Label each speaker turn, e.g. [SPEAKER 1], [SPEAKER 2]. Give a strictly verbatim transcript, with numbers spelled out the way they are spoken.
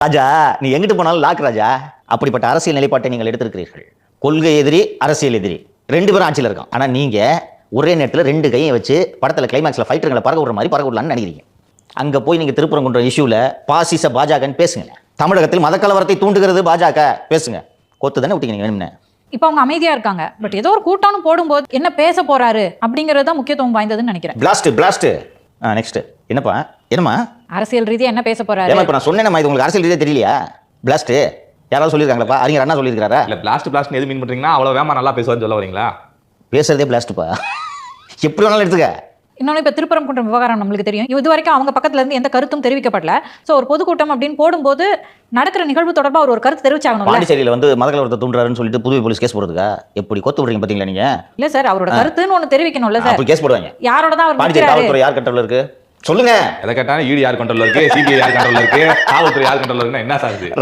[SPEAKER 1] ராஜா, நீ எங்கிட்டு போனாலும் லாக் ராஜா. அப்படிப்பட்ட அரசியல் நிலைப்பாட்டை நீங்கள் எடுத்திருக்கிறீர்கள். கொள்கை எதிரி, அரசியல் எதிரி, ரெண்டு பேரும் ஆட்சியில் இருக்கான். ஆனா நீங்க ஒரே நேரத்தில் ரெண்டு கையை வச்சு படத்துல கிளைமேக்ஸ்ல ஃபைட்டர்களை பறக்க விடுற மாதிரி பறக்க விடலான்னு நினைக்கிறீங்க. அங்க போய் நீங்க திருப்பரங்குன்ற இஷ்யூல பாசிச பாஜகன்னு பேசுங்க. தமிழகத்தில் மதக்கலவரத்தை தூண்டுகிறது பாஜக பேசுங்க. கொத்து தானே விட்டீங்க வேணும்னு.
[SPEAKER 2] இப்போ அவங்க அமைதியா இருக்காங்க. பட் ஏதோ ஒரு கூட்டம்னு போடும்போது என்ன பேச போறாரு அப்படிங்கறது தான் முக்கியத்துவம் வாய்ந்ததுன்னு நினைக்கிறேன்.
[SPEAKER 1] பிளாஸ்ட் பிளாஸ்ட் நெக்ஸ்ட் என்னப்பா என்னமா
[SPEAKER 2] அரசியல் ரீதியா என்ன பேச போறாரு?
[SPEAKER 1] ஏமா இப்ப நான் சொன்னேனமா, இது உங்களுக்கு அரசியல் ரீதியா தெரியலையா? பிளாஸ்ட் யாராவது சொல்லியிருக்காங்களா? அறிஞர் அண்ணா சொல்லியிருக்காரா?
[SPEAKER 3] இல்ல பிளாஸ்ட் பிளாஸ்ட் எது மீன் பண்றீங்கன்னா அவ்வளவு வேமா நல்லா பேசுவான்னு சொல்ல வரீங்களா?
[SPEAKER 1] பேசுறதே பிளாஸ்ட்ப்பா. எப்படி வேணாலும் எடுத்துக்க.
[SPEAKER 2] இன்னொன்று இப்போ திருப்பரங்குன்றம் விவகாரம் நம்மளுக்கு தெரியும். இது வரைக்கும் அவங்க பக்கத்துல இருந்து எந்த கருத்தும் தெரிவிக்கப்படல. ஸோ ஒரு பொதுக்கூட்டம் அப்படின்னு போடும்போது நடக்கிற நிகழ்வு தொடர்பாக அவர் ஒரு கருத்து தெரிவிச்சாகணும்.
[SPEAKER 1] பாண்டிச்சேரியில வந்து மதக்கலவரத்தை தூண்டுறாருன்னு சொல்லிட்டு புதுவை போலீஸ் கேஸ் போடுறதுக்கா? எப்படி கொத்து விடுறீங்க பாத்தீங்களா நீங்க?
[SPEAKER 2] இல்ல சார், அவரோட கருத்துன்னு ஒண்ணு தெரிவிக்கணும்ல சார்.
[SPEAKER 1] அப்படி கேஸ் போடுவாங்க.
[SPEAKER 2] யாரோட தான் அவர்
[SPEAKER 1] பாண்டிச்சேரி காவல்துறை யார் கண்ட்ரோல்ல இருக்கு சொல்லுங்க.
[SPEAKER 3] எதை கேட்டாலும் ஈடி யார் கண்ட்ரோல்ல இருக்கு, சிபிஐ யார் கண்ட்ரோல்ல இருக்கு, காவல்துறை யார் கண்ட்ரோல்ல இருக்குன்னா என்ன சார் இது?